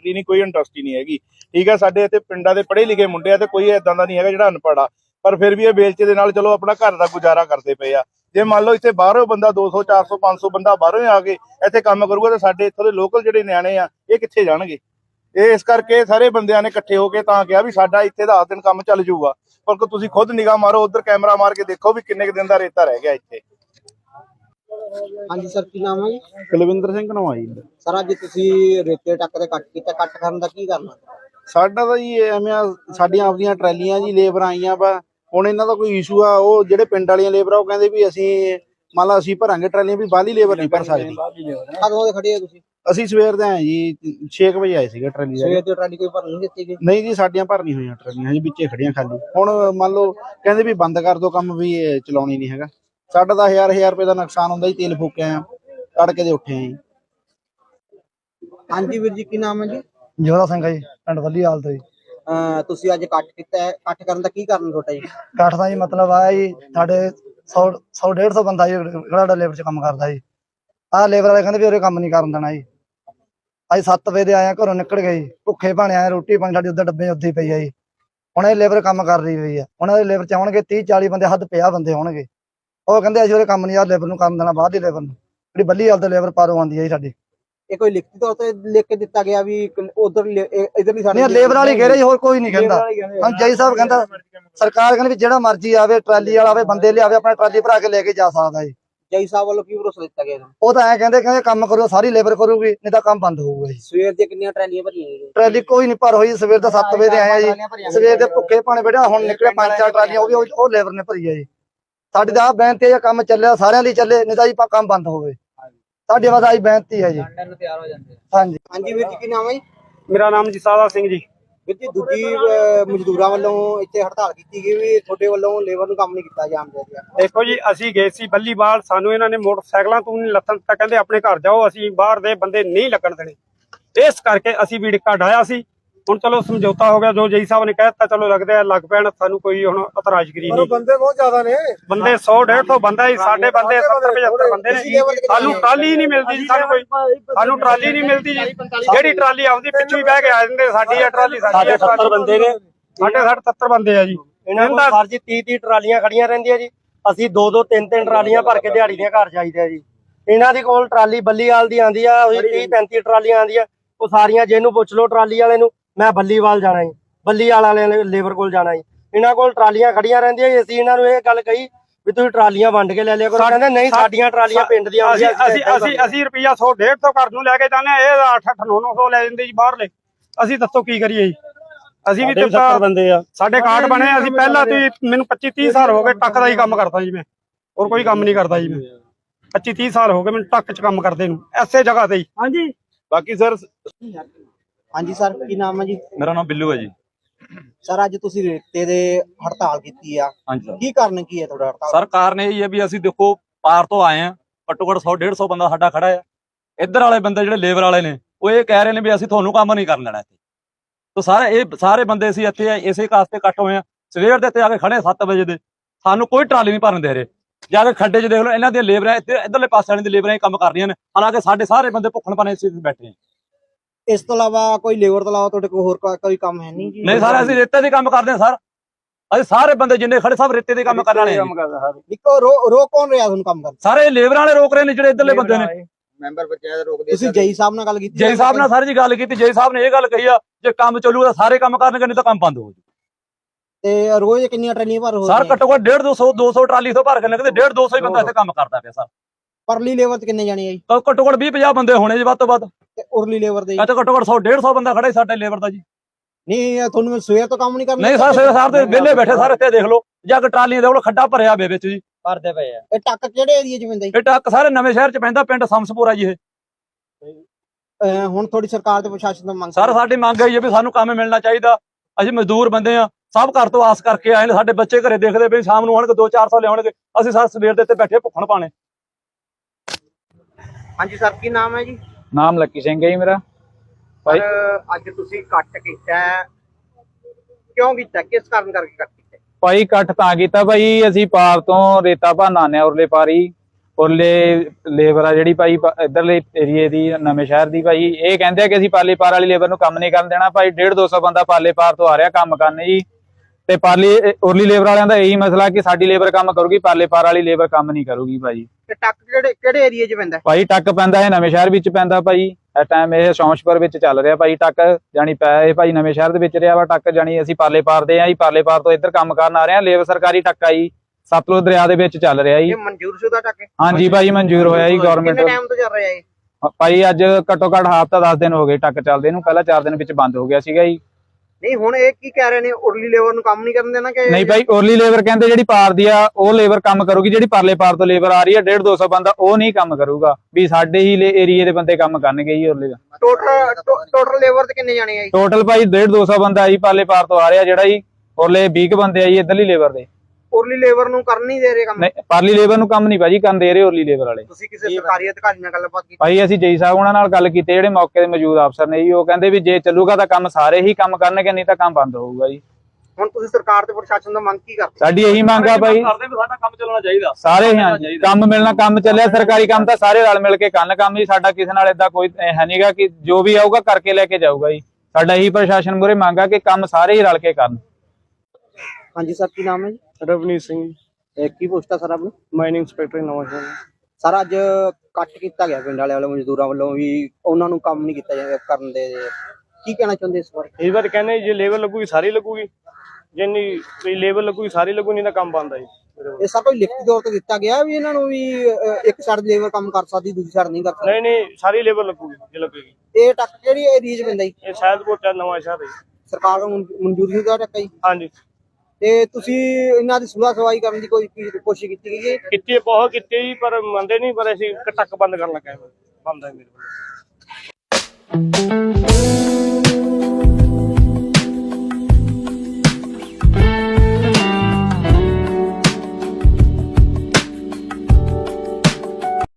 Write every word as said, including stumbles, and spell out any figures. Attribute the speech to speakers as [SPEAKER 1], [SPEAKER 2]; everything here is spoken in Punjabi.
[SPEAKER 1] ਫੈਕਟਰੀ ਨਹੀਂ, ਕੋਈ ਇੰਡਸਟਰੀ ਨਹੀਂ ਹੈਗੀ, ਠੀਕ ਹੈ। ਸਾਡੇ ਇੱਥੇ ਪਿੰਡਾਂ ਦੇ ਪੜ੍ਹੇ ਲਿਖੇ ਮੁੰਡੇ ਆ ਤੇ ਕੋਈ ਇਦਾਂ ਦਾ ਨਹੀਂ ਹੈਗਾ ਜਿਹੜਾ ਅਨਪੜ੍ਹ ਆ, ਪਰ ਫਿਰ ਵੀ ਇਹ ਵੇਲਚੇ ਦੇ ਨਾਲ ਚਲੋ ਆਪਣਾ ਘਰ ਦਾ ਗੁਜ਼ਾਰਾ ਕਰਦੇ ਪਏ ਆ। ਜੇ ਮੰਨ ਲਓ ਇੱਥੇ ਬਾਹਰੋਂ ਬੰਦਾ ਦੋ ਸੌ ਚਾਰ ਸੌ ਪੰਜ ਸੌ ਬੰਦਾ ਬਾਹਰੋਂ ਆ ਕੇ ਇੱਥੇ ਕੰਮ ਕਰੂਗਾ ਤਾਂ ਸਾਡੇ ਇੱਥੋਂ ਦੇ ਲੋਕਲ ਜਿਹੜੇ ਨਿਆਣੇ ਆ ਇਹ ਕਿੱਥੇ ਜਾਣਗੇ। ਇਹ ਇਸ ਕਰਕੇ ਸਾਰੇ ਬੰਦਿਆਂ ਨੇ ਇਕੱਠੇ ਹੋ ਕੇ ਤਾਂ ਕਿਹਾ ਵੀ ਸਾਡਾ ਇੱਥੇ ਦਸ ਦਿਨ ਕੰਮ ਚੱਲ ਜਾਊਗਾ, ਪਰ ਤੁਸੀਂ ਖੁਦ ਨਿਗਾਹ ਮਾਰੋ ਉਧਰ ਕੈਮਰਾ ਮਾਰ ਕੇ ਦੇਖੋ ਵੀ ਕਿੰਨੇ ਕੁ ਦਿਨ ਦਾ ਰੇਤਾ ਰਹਿ ਗਿਆ ਇੱਥੇ।
[SPEAKER 2] ਹਾਂਜੀ ਸਰ, ਕੀ ਨਾਮ ਹੈ ਜੀ?
[SPEAKER 1] ਕੁਲਵਿੰਦਰ ਸਿੰਘ ਨਵਾਂ ਜੀ।
[SPEAKER 2] ਸਰ ਅੱਜ ਤੁਸੀਂ ਰੇਤੇ ਟੱਕ ਦੇ ਕੱਟ ਕੀਤਾ, ਕੱਟ ਕਰਨ ਦਾ ਕੀ ਕਰਨਾ?
[SPEAKER 1] ਸਾਡਾ ਤਾਂ ਜੀ ਐਵੇਂ ਆ, ਸਾਡੀਆਂ ਆਪਦੀਆਂ ਟਰੈਲੀਆਂ ਜੀ ਲੇਬਰ ਆਈਆਂ ਵਾ, ਹੁਣ ਇਹਨਾਂ ਦਾ ਕੋਈ ਇਸ਼ੂ ਆ। ਉਹ ਜਿਹੜੇ ਪਿੰਡ ਵਾਲੀਆਂ ਲੇਬਰ ਆ ਉਹ ਕਹਿੰਦੇ ਵੀ ਅਸੀਂ ਮੰਨ ਲਾ ਅਸੀਂ ਭਰਾਂਗੇ ਟਰਾਲੀਆਂ, ਵੀ ਬਾਹਲੀ ਲੇਬਰ ਨਹੀਂ ਭਰ ਸਕਦੀ।
[SPEAKER 2] ਕਦੋਂ ਦੇ ਖੜੇ ਹੋ ਤੁਸੀਂ?
[SPEAKER 1] ਅਸੀਂ ਸਵੇਰ ਦੇ ਆਏ ਜੀ, ਛੇ ਕੁ ਵਜੇ ਆਏ ਸੀਗੇ ਟਰਾਲੀ।
[SPEAKER 2] ਸਵੇਰ ਦੀ ਟਰਾਲੀ ਕੋਈ ਭਰ ਨਹੀਂ ਦਿੱਤੀ ਗਈ?
[SPEAKER 1] ਨਹੀਂ ਜੀ, ਸਾਡੀਆਂ ਭਰ ਨਹੀਂ ਹੋਈਆਂ ਟਰਾਲੀਆਂ, ਹਜੇ ਵਿੱਚੇ ਖੜੀਆਂ ਖਾਲੀ। ਹੁਣ ਮੰਨ ਲਓ ਕਹਿੰਦੇ ਵੀ ਬੰਦ ਕਰ ਦੋ ਕੰਮ, ਵੀ ਇਹ ਚਲਾਉਣੀ ਨਹੀਂ ਹੈਗਾ। ਸਾਡਾ ਤਾਂ ਹਜ਼ਾਰ ਹਜ਼ਾਰ ਰੁਪਏ ਦਾ ਨੁਕਸਾਨ ਹੁੰਦਾ ਜੀ, ਤੇਲ ਫੂਕਿਆ ਆ, ਤੜਕੇ ਦੇ ਉੱਠੇ ਆ ਜੀ।
[SPEAKER 2] ਹਾਂਜੀ ਵੀਰ ਜੀ, ਕੀ ਨਾਮ ਹੈ ਜੀ?
[SPEAKER 3] ਜੋਰਾ ਸਿੰਘ ਜੀ, ਪਿੰਡ ਵੱਲੀਵਾਲ ਤੋਂ ਜੀ।
[SPEAKER 2] ਅਹ ਤੁਸੀਂ ਅੱਜ ਕੱਟ ਕੀਤਾ ਹੈ, ਕੱਟ ਕਰਨ ਦਾ ਕੀ ਕਾਰਨ ਤੁਹਾਡਾ ਜੀ?
[SPEAKER 3] ਕੱਟ ਦਾ ਜੀ ਮਤਲਬ ਆ ਜੀ, ਸਾਡੇ ਸੌ ਸੌ ਡੇਢ ਸੌ ਬੰਦਾ ਜੀ ਜਿਹੜਾ ਲੇਬਰ ਚ ਕੰਮ ਕਰਦਾ ਜੀ। ਆਹ ਲੇਬਰ ਵਾਲੇ ਕਹਿੰਦੇ ਵੀ ਉਹਦੇ ਕੰਮ ਨਹੀਂ ਕਰਨ ਦੇਣਾ ਜੀ। ਅੱਜ ਸੱਤ ਵਜੇ ਦੇ ਆਏ ਆ, ਘਰੋਂ ਨਿਕਲ ਗਏ ਜੀ, ਭੁੱਖੇ ਭਾਣੇ ਆਏ, ਰੋਟੀ ਪਾਣੀ ਸਾਡੀ ਉੱਧਰ ਡੱਬੇ ਉੱਥੇ ਹੀ ਪਈ ਆ ਜੀ। ਹੁਣ ਇਹ ਲੇਬਰ ਕੰਮ ਕਰ ਰਹੀ ਹੋਈ ਆ, ਉਹਨਾਂ ਦੇ ਲੇਬਰ ਚ ਆਉਣਗੇ ਤੀਹ ਚਾਲੀ ਬੰਦੇ, ਹੱਦ ਪੰਜਾਹ ਬੰਦੇ ਹੋਣਗੇ। ਉਹ ਕਹਿੰਦੇ ਅਸੀਂ ਉਹਦੇ ਕੰਮ ਨਹੀਂ, ਯਾਰ ਲੇਬਰ ਨੂੰ ਕੰਮ ਦੇਣਾ, ਬਾਹਰ ਦੀ ਲੇਬਰ ਨੂੰ, ਜਿਹੜੀ ਵੱਲੀਵਾਲ ਤੋਂ ਲੇਬਰ ਪਾਰੋਂ ਆਉਂਦੀ ਹੈ ਜੀ ਸਾਡੀ।
[SPEAKER 2] ਇਹ ਕੋਈ ਲਿਖਤੀ ਤੌਰ ਤੇ ਲਿਖ ਕੇ ਦਿੱਤਾ ਗਿਆ ਵੀ ਉਧਰ ਇਧਰਲੀ ਸਾਡੀ
[SPEAKER 3] ਨਹੀਂ, ਲੇਬਰ ਵਾਲੀ ਕਹਿ ਰਹੇ, ਹੋਰ ਕੋਈ ਨਹੀਂ ਕਹਿੰਦਾ। ਹੁਣ ਜੈ ਸਾਹਿਬ ਕਹਿੰਦਾ, ਸਰਕਾਰ ਕਹਿੰਦੀ ਵੀ ਜਿਹੜਾ ਮਰਜ਼ੀ ਆਵੇ, ਟਰਾਲੀ ਵਾਲਾ ਆਵੇ, ਬੰਦੇ ਲਿਆਵੇ, ਆਪਣਾ ਟਰਾਲੀ ਭਰਾ ਕੇ ਲੈ ਕੇ ਜਾ ਸਕਦਾ ਜੀ।
[SPEAKER 2] ਜੈ ਸਾਹਿਬ ਵੱਲੋਂ ਕੀ ਭਰੋਸਾ ਦਿੱਤਾ ਗਿਆ?
[SPEAKER 3] ਉਹ ਤਾਂ ਐ ਕਹਿੰਦੇ ਕਹਿੰਦੇ ਕੰਮ ਕਰੋ, ਸਾਰੀ ਲੇਬਰ ਕਰੂਗੀ, ਨਹੀਂ ਤਾਂ ਕੰਮ ਬੰਦ ਹੋਊਗਾ ਜੀ।
[SPEAKER 2] ਸਵੇਰ ਦੀਆਂ ਕਿੰਨੀਆਂ ਟਰਾਲੀਆਂ ਭਰੀਆਂ ਗਈਆਂ?
[SPEAKER 3] ਟਰਾਲੀ ਕੋਈ ਨਹੀਂ ਭਰ ਹੋਈ, ਸਵੇਰ ਦਾ ਸੱਤ ਵਜੇ ਦੇ ਆਏ ਆ ਜੀ। ਸਵੇਰ ਦੇ ਭੁੱਖੇ ਭਾਣੇ ਬੈਠਾ, ਹੁਣ ਨਿਕਲੇ ਪੰਜ ਚਾਰ ਟਰਾਲੀਆਂ, ਉਹ ਵੀ ਉਹ ਲੇਬਰ ਨੇ ਭਰੀ ਆ ਜੀ। ਸਾਡੀ ਤਾਂ ਆਹ ਬੇਨਤੀ ਹੈ, ਕੰਮ ਚੱਲਿਆ ਸਾਰਿਆਂ ਲਈ ਚੱਲੇ, ਨਹੀਂ ਤਾਂ ਜੀ ਕੰਮ ਬੰਦ ਹੋਵੇ। ਸਾਡੀ ਬਸ ਆਹੀ ਬੇਨਤੀ ਹੈ ਜੀ। ਹਾਂਜੀ
[SPEAKER 2] ਹਾਂਜੀ ਵੀਰ ਜੀ, ਕੀ ਨਾਮ ਹੈ ਜੀ?
[SPEAKER 4] ਮੇਰਾ ਨਾਮ ਜਸਾਦਾ ਸਿੰਘ ਜੀ।
[SPEAKER 2] ਵੀਰ ਜੀ, ਦੂਜੀ ਮਜ਼ਦੂਰਾਂ ਵੱਲੋਂ ਇੱਥੇ ਹੜਤਾਲ ਕੀਤੀ ਗਈ ਵੀ ਤੁਹਾਡੇ ਵੱਲੋਂ ਲੇਬਰ ਨੂੰ ਕੰਮ ਨਹੀਂ ਕੀਤਾ ਜਾਂਦਾ।
[SPEAKER 4] ਦੇਖੋ ਜੀ, ਅਸੀਂ ਗਏ ਸੀ ਬੱਲੀਵਾਲ, ਸਾਨੂੰ ਇਹਨਾਂ ਨੇ ਮੋਟਰਸਾਈਕਲਾਂ ਤੋਂ ਨਹੀਂ ਲੱਥਣ ਦਿੱਤਾ, ਕਹਿੰਦੇ ਆਪਣੇ ਘਰ ਜਾਓ, ਅਸੀਂ ਬਾਹਰ ਦੇ ਬੰਦੇ ਨਹੀਂ ਲੱਗਣ ਦੇਣੇ। ਇਸ ਕਰਕੇ ਅਸੀਂ ਵੀ ਡਿੱਕਾ ਢਾਇਆ ਸੀ। ਹੁਣ ਚਲੋ ਸਮਝੌਤਾ ਹੋ ਗਿਆ, ਜੋ ਜਈ ਸਾਹਿਬ ਨੇ ਕਹਿ ਦਿੱਤਾ, ਚਲੋ ਲੱਗਦਾ ਲੱਗ ਪੈਣ, ਸਾਨੂੰ ਕੋਈ ਹੁਣ ਇਤਰਾਜ਼ਗਰੀ ਨਹੀਂ।
[SPEAKER 2] ਬੰਦੇ ਬਹੁਤ ਜ਼ਿਆਦਾ ਨੇ,
[SPEAKER 4] ਬੰਦੇ ਸੌ ਡੇਢ ਸੌ ਬੰਦਾ ਹੀ, ਸਾਡੇ ਬੰਦੇ ਸੱਤਰ ਪਝੱਤਰ ਬੰਦੇ ਨੇ। ਸਾਨੂੰ ਟਰਾਲੀ ਨਹੀਂ ਮਿਲਦੀ ਜੀ, ਸਾਨੂੰ ਕੋਈ ਸਾਨੂੰ ਟਰਾਲੀ ਨਹੀਂ ਮਿਲਦੀ ਜੀ। ਜਿਹੜੀ ਟਰਾਲੀ ਆਉਂਦੀ ਪਿੱਛੋਂ ਹੀ ਬਹਿ ਕੇ ਆ ਜਾਂਦੇ, ਸਾਡੀ ਆ ਟਰਾਲੀ, ਸਾਡੀ ਸੱਤਰ ਬੰਦੇ ਨੇ, ਸਾਡੇ ਸੱਠ ਸੱਤਰ ਬੰਦੇ ਆ ਜੀ।
[SPEAKER 5] ਇਹਨਾਂ ਕੋਲ ਸਰ ਜੀ ਤੀਹ ਤੀਹ ਟਰਾਲੀਆਂ ਖੜੀਆਂ ਰਹਿੰਦੀਆਂ ਜੀ। ਅਸੀਂ ਦੋ ਦੋ ਤਿੰਨ ਤਿੰਨ ਟਰਾਲੀਆਂ ਭਰ ਕੇ ਦਿਹਾੜੀ ਦੀਆਂ ਘਰ ਜਾਈਦੇ ਜੀ। ਇਹਨਾਂ ਦੀ ਕੋਲ ਟਰਾਲੀ ਬੱਲੀਵਾਲ ਦੀ ਆਂਦੀ ਆ, ਤੀਹ ਪੈਂਤੀ ਟਰਾਲੀਆਂ ਆਂਦੀਆਂ, ਉਹ ਸਾਰੀਆਂ ਜਿਹਨੂੰ ਪੁੱਛ ਲਓ ਟਰਾਲੀ ਵਾਲੇ ਨੂੰ, ਮੈਂ ਬੱਲੀਵਾਲ ਜਾਣਾ ਜੀ, ਬੱਲੀਵਾਲ ਵਾਲਿਆਂ ਨੇ ਲੇਬਰ ਕੋਲ ਜਾਣਾ ਜੀ। ਇਹਨਾਂ ਕੋਲ ਟਰਾਲੀਆਂ ਖੜੀਆਂ ਰਹਿੰਦੀਆਂ ਜੀ। ਅਸੀਂ ਇਹਨਾਂ ਨੂੰ ਇਹ ਗੱਲ ਕਹੀ ਵੀ ਤੁਸੀਂ ਟਰਾਲੀਆਂ ਵੰਡ ਕੇ ਲੈ ਲਿਆ ਕਰੋ, ਕਹਿੰਦੇ ਨਹੀਂ ਸਾਡੀਆਂ ਟਰਾਲੀਆਂ ਪਿੰਡ ਦੀਆਂ ਆਉਂਦੀਆਂ।
[SPEAKER 4] ਅਸੀਂ ਅਸੀਂ ਅਸੀਂ ਰੁਪਈਆ ਸੌ ਡੇਢ ਸੌ ਘਰ ਨੂੰ ਲੈ ਕੇ ਜਾਂਦੇ, ਇਹ ਅੱਠ ਅੱਠ ਨੌ ਨੌ ਸੌ ਲੈ ਜਾਂਦੇ ਜੀ ਬਾਹਰਲੇ। ਅਸੀਂ ਦੱਸੋ ਕੀ ਕਰੀਏ ਜੀ? ਅਸੀਂ ਵੀ ਸੱਤਰ ਬੰਦੇ ਆ, ਸਾਡੇ ਕਾਰਡ ਬਣੇ। ਅਸੀਂ ਪਹਿਲਾਂ ਤੋਂ ਮੈਨੂੰ ਪੱਚੀ ਤੀਹ ਸਾਲ ਹੋ ਗਏ ਟੱਕ ਦਾ ਹੀ ਕੰਮ ਕਰਦਾ ਜੀ ਮੈਂ, ਹੋਰ ਕੋਈ ਕੰਮ ਨਹੀਂ ਕਰਦਾ ਜੀ ਮੈਂ। ਪੱਚੀ ਤੀਹ ਸਾਲ ਹੋ ਗਏ ਮੈਨੂੰ ਟੱਕ ਚ ਕੰਮ ਕਰਦੇ ਨੂੰ, ਐਸੇ ਜਗ੍ਹਾ ਤੇ ਹੀ। ਹਾਂਜੀ
[SPEAKER 1] ਬਾਕੀ ਸਰ।
[SPEAKER 2] ਹਾਂਜੀ ਸਰ, ਕੀ ਨਾਮ ਹੈ ਜੀ?
[SPEAKER 6] ਮੇਰਾ ਨਾਮ ਬਿੱਲੂ ਹੈ ਜੀ।
[SPEAKER 2] ਸਰ ਅੱਜ ਤੁਸੀਂ ਰੇਤੇ ਦੇ ਹੜਤਾਲ ਕੀਤੀ ਆ,
[SPEAKER 6] ਹਾਂਜੀ
[SPEAKER 2] ਕੀ ਕਾਰਨ ਕੀ ਹੈ ਤੁਹਾਡਾ ਹੜਤਾਲ?
[SPEAKER 6] ਸਰ ਕਾਰਨ ਇਹ ਹੈ ਵੀ ਅਸੀਂ ਦੇਖੋ ਪਾਰ ਤੋਂ ਆਏ ਆ, ਘੱਟੋ ਘੱਟ ਸੌ ਡੇਢ ਸੌ ਬੰਦਾ ਸਾਡਾ ਖੜਾ ਆ। ਇੱਧਰ ਵਾਲੇ ਬੰਦੇ ਜਿਹੜੇ ਲੇਬਰ ਵਾਲੇ ਨੇ ਉਹ ਇਹ ਕਹਿ ਰਹੇ ਨੇ ਵੀ ਅਸੀਂ ਤੁਹਾਨੂੰ ਕੰਮ ਨਹੀਂ ਕਰਨ ਦੇਣਾ ਇੱਥੇ। ਤਾਂ ਸਾਰੇ ਇਹ ਸਾਰੇ ਬੰਦੇ ਅਸੀਂ ਇੱਥੇ ਇਸੇ ਕਾਸਤੇ ਇਕੱਠ ਹੋਏ ਆ। ਸਵੇਰ ਦੇ ਇੱਥੇ ਆ ਕੇ ਖੜੇ ਸੱਤ ਵਜੇ ਦੇ, ਸਾਨੂੰ ਕੋਈ ਟਰਾਲੀ ਨਹੀਂ ਭਰਨ ਦੇ ਰਹੇ। ਜਾ ਕੇ ਖੱਡੇ 'ਚ ਦੇਖ ਲਓ, ਇਹਨਾਂ ਦੀਆਂ ਲੇਬਰਾਂ ਇੱਥੇ ਇੱਧਰਲੇ ਪਾਸੇ ਵਾਲਿਆਂ ਦੀ ਲੇਬਰਾਂ ਹੀ ਕੰਮ ਕਰ ਰਹੀਆਂ ਨੇ, ਹਾਲਾਂਕਿ ਸਾਡੇ ਸਾਰੇ ਬੰਦੇ ਭੁੱਖਣ ਭਾਣੇ ਇਸ ਬੈਠੇ ਆ।
[SPEAKER 2] ਇਸ ਤੋਂ ਇਲਾਵਾ ਕੋਈ ਲੇਬਰ ਤੋਂ ਇਲਾਵਾ ਤੁਹਾਡੇ ਕੋਲ ਹੋਰ ਕੋਈ ਕੰਮ ਹੈ ਨਹੀਂ ਜੀ?
[SPEAKER 6] ਨਹੀਂ ਸਰ, ਅਸੀਂ ਰੇਤੇ ਦੇ ਕੰਮ ਕਰਦੇ ਹਾਂ ਸਰ। ਅਸੀਂ ਸਾਰੇ ਬੰਦੇ ਜਿੰਨੇ ਖੜੇ ਸਭ ਰੇਤੇ ਦੇ ਕੰਮ ਕਰਨ ਵਾਲੇ ਆ।
[SPEAKER 2] ਨਿੱਕੋ ਰੋਕ ਕੌਣ ਰਿਹਾ ਤੁਹਾਨੂੰ ਕੰਮ ਕਰਨ?
[SPEAKER 6] ਸਾਰੇ ਲੇਬਰਾਂ ਵਾਲੇ ਰੋਕ ਰਹੇ ਨੇ, ਜਿਹੜੇ ਇੱਧਰਲੇ ਬੰਦੇ ਨੇ।
[SPEAKER 2] ਮੈਂਬਰ ਪੰਚਾਇਤ ਰੋਕਦੇ। ਤੁਸੀਂ ਜਈ ਸਾਹਿਬ ਨਾਲ ਗੱਲ ਕੀਤੀ?
[SPEAKER 6] ਜਈ ਸਾਹਿਬ ਨਾਲ ਸਾਰੀ ਜੀ ਗੱਲ ਕੀਤੀ। ਜਈ ਸਾਹਿਬ ਨੇ ਇਹ ਗੱਲ ਕਹੀ ਆ, ਜੇ ਕੰਮ ਚੱਲੂਗਾ ਸਾਰੇ ਕੰਮ ਕਰਨਗੇ, ਨਹੀਂ ਤਾਂ ਕੰਮ ਬੰਦ ਹੋ ਜੂ।
[SPEAKER 2] ਤੇ ਰੋਜ਼ ਕਿੰਨੀਆਂ ਟਰਾਲੀਆਂ ਭਰ ਹੋ
[SPEAKER 6] ਸਰ ਘੱਟੋ ਘੱਟ ਡੇਢ ਦੋ ਸੌ ਦੋ ਸੌ ਟਰਾਲੀ ਤੋਂ ਭਰ ਕੇ ਲੱਗਦੇ, ਡੇਢ ਦੋ ਸੌ ਹੀ ਬੰਦਾ ਇੱਥੇ ਕੰਮ ਕਰਦਾ ਪਿਆ ਸਰ।
[SPEAKER 2] ਪਰਲੀ ਲੇਬਰ ਤੇ ਕਿੰਨੇ ਜਾਣੇ ਆ ਜੀ?
[SPEAKER 6] ਘੱਟੋ ਘੱਟ ਵੀਹ ਪੰਜਾਹ ਬੰਦੇ ਹੋਣੇ ਜੀ ਵੱਧ ਤੋਂ ਵੱਧ।
[SPEAKER 2] ਤੇ ਉਰਲੀ ਲੇਬਰ ਦੇ
[SPEAKER 6] ਇੱਥੇ ਘੱਟੋ ਘੱਟ ਸੌ ਡੇਢ ਸੌ ਬੰਦਾ ਖੜਾ ਸਾਡੇ ਲੇਬਰ ਦਾ ਜੀ।
[SPEAKER 2] ਨਹੀਂ ਤੁਹਾਨੂੰ ਸਵੇਰ ਤੋਂ ਕੰਮ ਨਹੀਂ ਕਰਨਾ?
[SPEAKER 6] ਨਹੀਂ ਸਰ, ਸਵੇਰ ਸਾਰ ਦੇ ਵਿਹਲੇ ਬੈਠੇ ਸਰ। ਇੱਥੇ ਦੇਖ ਲਓ, ਜਾ ਕੇ ਟਰਾਲੀਆਂ ਦੇ ਕੋਲ ਖੱਡਾ ਭਰਿਆ ਵੇ ਵਿੱਚ ਜੀ,
[SPEAKER 5] ਭਰਦੇ ਪਏ ਆ।
[SPEAKER 2] ਇਹ ਟੱਕ ਕਿਹੜੇ ਏਰੀਆ 'ਚ ਪੈਂਦਾ ਜੀ?
[SPEAKER 6] ਇਹ ਟੱਕ ਸਾਰੇ ਨਵੇਂ ਸ਼ਹਿਰ 'ਚ ਪੈਂਦਾ, ਪਿੰਡ ਸਮਸਪੁਰਾ ਜੀ। ਇਹ
[SPEAKER 2] ਹੁਣ ਥੋੜੀ ਸਰਕਾਰ ਤੇ ਪ੍ਰਸ਼ਾਸਨ ਤੋਂ ਮੰਗ
[SPEAKER 6] ਸਰ ਸਾਡੀ ਮੰਗ ਹੈ ਵੀ ਸਾਨੂੰ ਕੰਮ ਮਿਲਣਾ ਚਾਹੀਦਾ। ਅਸੀਂ ਮਜ਼ਦੂਰ ਬੰਦੇ ਆ, ਸਭ ਘਰ ਤੋਂ ਆਸ ਕਰਕੇ ਆਏ ਨੇ। ਸਾਡੇ ਬੱਚੇ ਘਰੇ ਦੇਖਦੇ ਵੀ ਸ਼ਾਮ ਨੂੰ ਆਉਣਗੇ, ਦੋ ਚਾਰ ਸੌ ਲਿਆਉਣਗੇ। ਅਸੀਂ ਸਰ ਸਵੇਰ ਦੇ ਇੱਥੇ ਬੈਠੇ ਭੁੱਖਣ ਪਾਣੇ।
[SPEAKER 2] ਹਾਂਜੀ ਸਰ, ਕੀ ਨਾਮ ਹੈ ਜੀ?
[SPEAKER 7] ਨਾਮ ਲੱਕੀ ਸਿੰਘ ਹੈ ਜੀ ਮੇਰਾ।
[SPEAKER 2] ਪਰ ਅੱਜ ਤੁਸੀਂ ਕੱਟ ਕੀਤਾ, ਕਿਉਂ ਕੀਤਾ? ਕਿਸ ਕਾਰਨ ਕਰਕੇ ਕੱਟ ਕੀਤਾ?
[SPEAKER 7] ਭਾਈ ਕੱਟ ਤਾਂ ਕੀਤਾ ਭਾਈ, ਅਸੀਂ ਪਾਰ ਤੋਂ ਰੇਤਾ ਭਰਨ ਆਉਂਦੇ ਆ ਉਰਲੇ ਪਾਰੀ। ਉਰਲੇ ਲੇਬਰ ਆ ਜਿਹੜੀ ਭਾਈ ਪ- ਇੱਧਰਲੇ ਏਰੀਏ ਦੀ ਨਵੇਂ ਸ਼ਹਿਰ ਦੀ ਭਾਈ ਇਹ ਕਹਿੰਦੇ ਆ ਕਿ ਅਸੀਂ ਪਾਲੇ ਪਾਰ ਵਾਲੀ ਲੇਬਰ ਨੂੰ ਕੰਮ ਨਹੀਂ ਕਰਨ ਦੇਣਾ ਭਾਈ। ਡੇਢ ਦੋ ਸੌ ਬੰਦਾ ਪਾਲੇ ਪਾਰ ਤੋਂ ਆ ਰਿਹਾ ਕੰਮ ਕਰਨ ਜੀ, ਤੇ ਪਾਲੀ ਉਰਲੀ ਲੇਬਰ ਵਾਲਿਆਂ ਦਾ ਇਹੀ ਮਸਲਾ ਕਿ ਸਾਡੀ ਲੇਬਰ ਕੰਮ ਕਰੂਗੀ, ਪਾਲੇ ਪਾਰ ਵਾਲੀ ਲੇਬਰ ਕੰਮ ਨਹੀਂ ਕਰੂਗੀ ਭਾਈ।
[SPEAKER 2] ਤੇ ਟੱਕ ਕਿਹੜੇ ਕਿਹੜੇ ਏਰੀਏ 'ਚ ਪੈਂਦਾ?
[SPEAKER 7] ਭਾਈ ਟੱਕ ਪੈਂਦਾ ਹੈ ਨਵੇਂ ਸ਼ਹਿਰ ਵਿੱਚ ਪੈਂਦਾ ਭਾਈ। ਇਸ ਟਾਈਮ ਇਹ ਸ਼ੌਂਸ਼ਪੁਰ ਵਿੱਚ ਚੱਲ ਰਿਹਾ ਭਾਈ ਟੱਕ, ਜਾਣੀ ਪੈ ਇਹ ਭਾਈ ਨਵੇਂ ਸ਼ਹਿਰ ਦੇ ਵਿੱਚ ਰਿਹਾ ਵਾ ਟੱਕ, ਜਾਣੀ ਅਸੀਂ ਪਾਲੇ ਪਾਰ ਦੇ ਆ ਜੀ, ਪਾਲੇ ਪਾਰ ਤੋਂ ਇੱਧਰ ਕੰਮ ਕਰਨ ਆ ਰਹੇ ਆ। ਲੇਬਰ ਸਰਕਾਰੀ ਟੱਕ ਆ ਜੀ, ਸਤਲੁਜ ਦਰਿਆ ਦੇ ਵਿੱਚ ਚੱਲ ਰਿਹਾ ਜੀ।
[SPEAKER 2] ਇਹ ਮਨਜ਼ੂਰਸ਼ੁਦਾ ਟੱਕ ਹੈ?
[SPEAKER 7] ਹਾਂਜੀ ਭਾਈ ਮਨਜ਼ੂਰ ਹੋਇਆ ਜੀ ਗਵਰਨਮੈਂਟ।
[SPEAKER 2] ਕਿੰਨੇ ਟਾਈਮ ਤੋਂ ਚੱਲ ਰਿਹਾ ਇਹ?
[SPEAKER 7] ਭਾਈ ਅੱਜ ਘੱਟੋ ਘੱਟ ਹਫ਼ਤਾ ਦਸ ਦਿਨ ਹੋ ਗਏ ਟੱਕ ਚੱਲਦੇ ਨੂੰ, ਪਹਿਲਾਂ ਚਾਰ ਦਿਨ ਵਿੱਚ ਬੰਦ ਹੋ ਗਿਆ ਸੀਗਾ ਜੀ।
[SPEAKER 2] ਨਹੀਂ ਹੁਣ ਇਹ ਕੀ ਕਹਿ ਰਹੇ ਨੇ, ਉਰਲੀ ਲੇਬਰ ਨੂੰ ਕੰਮ ਨਹੀਂ ਕਰਨ ਦੇਣਾ ਕਿ?
[SPEAKER 7] ਨਹੀਂ ਭਾਈ ਉਰਲੀ ਲੇਬਰ ਕਹਿੰਦੇ ਜਿਹੜੀ ਪਾਰ ਦੀ ਆ ਉਹ ਲੇਬਰ ਕੰਮ ਕਰੂਗੀ, ਜਿਹੜੀ ਪਰਲੇ ਪਾਰ ਤੋਂ ਲੇਬਰ ਆ ਰਹੀ ਆ ਡੇਢ ਦੋ ਸੌ ਬੰਦਾ ਉਹ ਨਹੀਂ ਕੰਮ ਕਰੂਗਾ, ਵੀ ਸਾਡੇ ਹੀ ਏਰੀਏ ਦੇ ਬੰਦੇ ਕੰਮ ਕਰਨਗੇ ਜੀ ਉਰਲੇ ਦਾ।
[SPEAKER 2] ਟੋਟਲ ਟੋਟਲ ਲੇਬਰ ਤੇ ਕਿੰਨੇ ਜਾਣੇ ਆ ਜੀ?
[SPEAKER 7] ਟੋਟਲ ਭਾਈ ਡੇਢ ਦੋ ਸੌ ਬੰਦਾ ਜੀ ਪਰਲੇ ਪਾਰ ਤੋਂ ਆ ਰਿਹਾ, ਜਿਹੜਾ ਜੀ ਉਰਲੇ ਵੀਹ ਕੁ ਬੰਦੇ ਆ ਜੀ ਇੱਧਰਲੀ ਲੇਬਰ ਦੇ।
[SPEAKER 2] ਉਰਲੀ ਲੇਬਰ ਨੂੰ ਕਰਨ ਨਹੀਂ ਦੇ ਰਹੇ ਕੰਮ?
[SPEAKER 7] ਨਹੀਂ ਪਰਲੀ ਲੇਬਰ ਨੂੰ ਕੰਮ ਨਹੀਂ ਭਾਜੀ ਕਰਨ ਦੇ ਰਹੇ ਉਰਲੀ ਲੇਬਰ ਵਾਲੇ।
[SPEAKER 2] ਤੁਸੀਂ ਕਿਸੇ ਸਰਕਾਰੀ ਅਧਿਕਾਰੀ ਨਾਲ ਗੱਲਬਾਤ ਕੀਤੀ?
[SPEAKER 7] ਭਾਈ ਅਸੀਂ ਜੈ ਸਾਹਿਬ ਉਹਨਾਂ ਨਾਲ ਗੱਲ ਕੀਤੀ, ਜਿਹੜੇ ਮੌਕੇ ਦੇ ਮੌਜੂਦ ਅਫਸਰ ਨੇ ਜੀ, ਉਹ ਕਹਿੰਦੇ ਵੀ ਜੇ ਚੱਲੂਗਾ ਤਾਂ ਕੰਮ ਸਾਰੇ ਹੀ ਕੰਮ ਕਰਨਗੇ, ਨਹੀਂ ਤਾਂ ਕੰਮ ਬੰਦ ਹੋਊਗਾ ਜੀ।
[SPEAKER 2] ਹੁਣ ਤੁਸੀਂ ਸਰਕਾਰ ਤੇ ਪ੍ਰਸ਼ਾਸਨ ਦਾ ਮੰਗ ਕੀ ਕਰਦੇ?
[SPEAKER 7] ਸਾਡੀ ਇਹੀ ਮੰਗ ਆ ਭਾਈ,
[SPEAKER 6] ਕਰਦੇ ਵੀ ਸਾਡਾ ਕੰਮ ਚੱਲਣਾ ਚਾਹੀਦਾ,
[SPEAKER 7] ਸਾਰੇ ਹਾਂ ਕੰਮ ਮਿਲਣਾ, ਕੰਮ ਚੱਲਿਆ ਸਰਕਾਰੀ ਕੰਮ ਤਾਂ ਸਾਰੇ ਰਲ ਮਿਲ ਕੇ ਕਰਨ ਕੰਮ ਜੀ। ਸਾਡਾ ਕਿਸੇ ਨਾਲ ਏਦਾਂ ਕੋਈ ਹੈ ਨਹੀਂਗਾ ਕਿ ਜੋ ਵੀ ਆਊਗਾ ਕਰਕੇ ਲੈ ਕੇ ਜਾਊਗਾ ਜੀ। ਸਾਡਾ ਇਹੀ ਪ੍ਰਸ਼ਾਸਨ ਮੂਹਰੇ ਮੰਗ ਆ ਕਿ ਕੰਮ ਸਾਰੇ ਹੀ ਰਲ ਕੇ ਕਰਨ।
[SPEAKER 2] ਹਾਂਜੀ ਸਰ, ਕੀ ਨਾਮ ਹੈ ਜੀ?
[SPEAKER 5] ਰਵਨੀਤ ਸਿੰਘ,
[SPEAKER 2] ਇਹ ਕੀ ਪੋਸਟ ਆ ਸਰ ਆਪਣੀ?
[SPEAKER 5] Mining inspector Nawanshahr.
[SPEAKER 2] Sir ਅੱਜ ਕੱਟ ਕੀਤਾ ਗਿਆ ਪਿੰਡ ਵਾਲੇ ਵੱਲੋਂ, ਮਜ਼ਦੂਰਾਂ ਵੱਲੋਂ ਵੀ ਉਹਨਾਂ ਨੂੰ ਕੰਮ ਨਹੀਂ ਕੀਤਾ ਜਾ ਕਰਨ ਦੇ, ਕੀ ਕਹਿਣਾ ਚਾਹੁੰਦੇ ਇਸ ਬਾਰੇ?
[SPEAKER 5] ਇਸ ਵਾਰ ਕਹਿੰਦੇ ਜੇ ਲੇਬਰ ਲੱਗੂਗੀ ਸਾਰੀ ਲੱਗੂਗੀ, ਜੇ ਨਹੀਂ ਕੋਈ ਲੇਬਰ ਲੱਗੂਗੀ ਸਾਰੀ ਲੱਗੂ, ਨਹੀਂ ਤਾਂ ਕੰਮ ਬੰਦ ਆ ਜੀ।
[SPEAKER 2] ਇਹ ਸਰ ਕੋਈ ਲਿਖਤੀ ਤੌਰ ਤੇ ਦਿੱਤਾ ਗਿਆ ਵੀ ਇਹਨਾਂ ਨੂੰ ਵੀ ਅਹ, ਇੱਕ ਸਾਈਡ ਲੇਬਰ ਕੰਮ ਕਰ ਸਕਦੀ, ਦੂਜੀ ਸਾਈਡ ਨਹੀਂ ਕਰ ਸਕਦੀ?
[SPEAKER 5] ਨਹੀਂ ਨਹੀਂ ਸਾਰੀ ਲੇਬਰ ਲੱਗੂਗੀ ਜੇ ਲੱਗੇਗੀ।
[SPEAKER 2] ਇਹ ਟੱਕ ਕਿਹੜੀ ਏਰੀਆ 'ਚ ਪੈਂਦਾ ਜੀ?
[SPEAKER 5] ਇਹ ਸੈਦਪੁਰ ਚ ਨਵਾਂ ਸ਼ਹਿਰ ਹੈ ਜੀ।
[SPEAKER 2] ਸਰਕਾਰ ਨੂੰ ਮਨ- ਮਨਜ਼ੂਰੀ ਦਾ ਟੱਕਾ ਜੀ?
[SPEAKER 5] ਹਾਂਜੀ
[SPEAKER 2] ਤੇ ਤੁਸੀਂ ਇਹਨਾਂ ਦੀ ਸੁਲਾਹ ਸਵਾਈ ਕਰਨ ਦੀ ਕੋਈ ਕੀ- ਕੋਸ਼ਿਸ਼ ਕੀਤੀ ਗਈ ਹੈ?
[SPEAKER 5] ਕੀਤੀ ਹੈ, ਬਹੁਤ ਕੀਤੀ ਜੀ, ਪਰ ਮੰਨਦੇ ਨਹੀਂ, ਪਰ ਅਸੀਂ ਟੱਕ ਬੰਦ ਕਰਨ ਲੱਗੇ ਬੰਦ ਹੈ ਮੇਰੇ ਕੋਲ।